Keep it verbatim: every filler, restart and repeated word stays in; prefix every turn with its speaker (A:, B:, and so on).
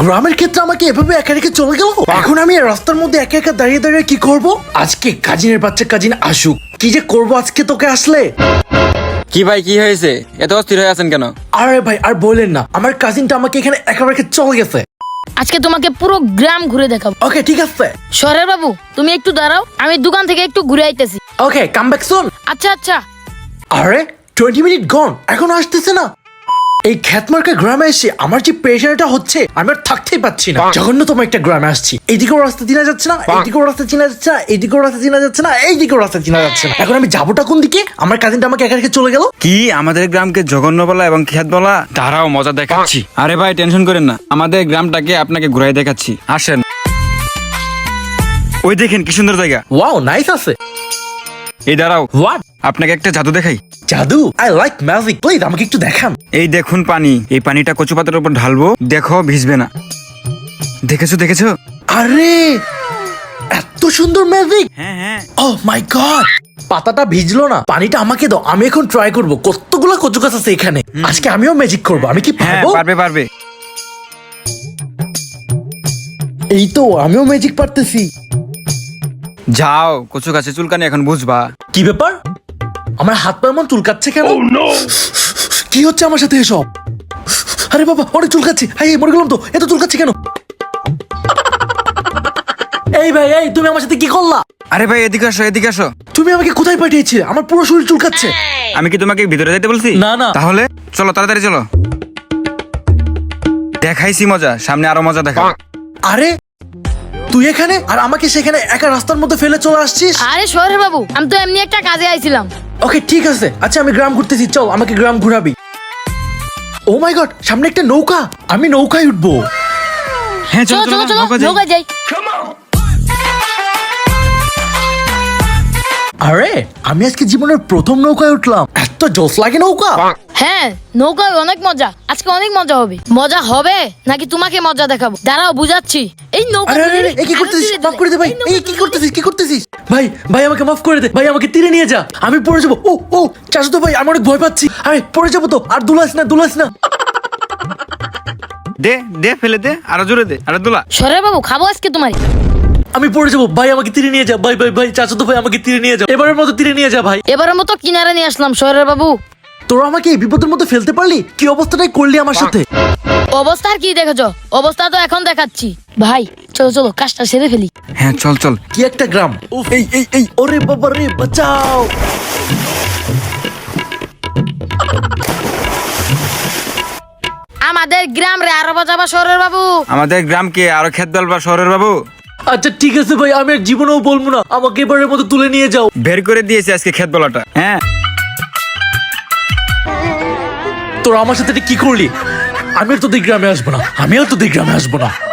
A: গ্রামের ক্ষেত্রে আমাকে এভাবে একা রেখে চলে গেল। এখন আমি এই রাস্তার মধ্যে একা একা দাঁড়িয়ে দাঁড়িয়ে কি করব? আজকে কাজিনের বাচ্চা কাজিন আসুক, কি যে করব আজকে তোকে আসলে।
B: কি ভাই কি হয়েছে, এত অস্থির হয়ে আছেন কেন?
A: আরে ভাই আর বলেন না, আমার কাজিনটা আমাকে এখানে একা রেখে চলে গেছে।
C: আজকে তোমাকে পুরো গ্রাম ঘুরে দেখাবো।
A: ওকে ঠিক আছে।
C: শহরের বাবু তুমি একটু দাঁড়াও, আমি দোকান থেকে একটু ঘুরে আইতেছি।
A: Okay come back soon.
C: আচ্ছা আচ্ছা।
A: আরে টোয়েন্টি মিনিট গন, এখনো আসতেছে না। এই খ্যাতমার্কা গ্রামে এসে আমার যে প্রেশারটা হচ্ছে আমি আর থাকতেই পাচ্ছি না। জঘন্যতম একটা গ্রামে আসছি, এইদিকেও রাস্তা চিনা যাচ্ছে না, এইদিকেও রাস্তা চিনা যাচ্ছে না, এইদিকেও রাস্তা চিনা যাচ্ছে না, এইদিকেও রাস্তা চিনা যাচ্ছে না। এখন আমি যাবোটা কোন দিকে? আমার কাজিনটা আমাকে একা রেখে চলে গেল।
B: কি আমাদের গ্রামকে জঘন্য বলা এবং খেত বলা? তারাও মজা দেখাচ্ছি। আরে ভাই টেনশন করেন না, আমাদের গ্রামটাকে আপনাকে ঘুরাই দেখাচ্ছি, আসেন। ওই দেখেন কি সুন্দর জায়গা।
A: ওয়াও নাইস আছে।
B: এই দাঁড়াও,
A: হোয়াট?
B: আপনাকে একটা জাদু দেখাই।
A: জাদু? আই লাইক ম্যাজিক, প্লিজ আমাকে একটু দেখান।
B: এই দেখুন পানি, এই পানিটা কচু পাতার উপর ঢালবো, দেখো ভিজবে না। দেখেছো দেখেছো?
A: আরে এত সুন্দর ম্যাজিক।
B: হ্যাঁ হ্যাঁ।
A: ওহ মাই গড, পাতাটা ভিজলো না, পানিটা আমাকে দাও, আমি এখন ট্রাই করব। কতগুলো কচু গাছ আছে এখানে, আজকে আমিও ম্যাজিক করব। আমি কি
B: হ্যাঁ
A: পারবো?
B: পারবে পারবে।
A: এই তো আমিও ম্যাজিক পারতেছি।
B: যাও, কচু গাছে চুলকানি এখন বুঝবা।
A: কি ব্যাপার? আমার হাত পা এমন চুলকাচ্ছে কেন? কি হচ্ছে আমার সাথে এসব? আরে বাবা অনেক চুলকাচ্ছে। হাই মরে গেলাম তো, এত চুলকাচ্ছে কেন? এই ভাই এই তুমি আমার সাথে কি করলা?
B: আরে ভাই এদিকে আসো এদিকে আসো।
A: তুমি আমাকে কোথায় পাঠিয়েছিলে? আমার পুরো শরীর চুলকাচ্ছে।
B: আমি কি তোমাকে ভিতরে যাইতে বলছি?
A: না, না।
B: তাহলে চলো তাড়াতাড়ি চলো, দেখাইছি মজা, সামনে আরো মজা দেখা।
A: আরে তুই এখানে আর আমাকে সেখানে একা রাস্তার মধ্যে ফেলে চলে আসছিস?
C: আরে শহরের বাবু আমি তো এমনি একটা কাজে আইছিলাম।
A: ওকে ঠিক আছে, আচ্ছা আমি গ্রাম ঘুরতেছি, চল আমাকে গ্রাম ঘুরাবি। ও মাই গড, সামনে একটা নৌকা, আমি নৌকায় উঠবো।
B: হ্যাঁ
C: চলো চলো চলো
B: নৌকা যাই।
C: নৌকায় যাই।
A: আরে আমি আজকে জীবনের প্রথম নৌকায় উঠলাম, এত জোশ লাগে নৌকা।
C: হ্যাঁ নৌকায় অনেক মজা, আজকে অনেক মজা হবে। মজা হবে নাকি তোমাকে মজা দেখাবো? দাঁড়াও বুঝাচ্ছি। এই নৌকা
A: আরে আরে আরে, এই কি করতেছিস? মাফ করে দে ভাই, এই কি করতেছিস? কি করতেছিস? ভাই ভাই আমাকে মাফ করে দে ভাই, আমাকে তীরে নিয়ে যা, আমি পড়ে যাবো। ও ও চাচা ভাই আমি অনেক ভয় পাচ্ছি, আরে পড়ে যাবো তো। আর দুলাস না দুলাস না।
B: দে দে ফেলে দে, আরো জোরে দে, আরো দোলা।
C: শহরের বাবু খাবো আজকে তোমার।
A: আমি পড়ে যাবো ভাই, আমাকে তীরে নিয়ে যা ভাই ভাই ভাই, চাচা ভাই আমাকে তীরে নিয়ে যা, এবারের মতো তীরে নিয়ে যা ভাই।
C: এবারের মতো কিনারে নিয়ে আসলাম শহরের বাবু।
A: তোরা আমাকে এই বিপদের মধ্যে ফেলতে পারলি? কি অবস্থাটাই করলি আমার সাথে।
C: অবস্থা আর কি দেখেছো? অবস্থা তো এখন দেখাচ্ছি। ভাই চলো চলো কাজটা সেরে ফেলি।
B: হ্যাঁ চল চল।
A: কি একটা গ্রাম। উফ, এই এই এই ওরে বাবা রে, বাঁচাও।
C: আমাদের গ্রাম রে আরো বাজাবা শহরের বাবু।
B: আমাদের গ্রামকে আরো খেত দলবা শহরের বাবু।
A: আচ্ছা ঠিক আছে ভাই, আমি আর জীবনেও বলবো না, আমাকে এবারের মতো তুলে নিয়ে যাও।
B: বের করে দিয়েছে আজকে খেত বলাটা। হ্যাঁ
A: তোরা আমার সাথে এটা কি করলি? আমি আর তোদের গ্রামে আসবো না, আমি আর তোদের গ্রামে আসবো না।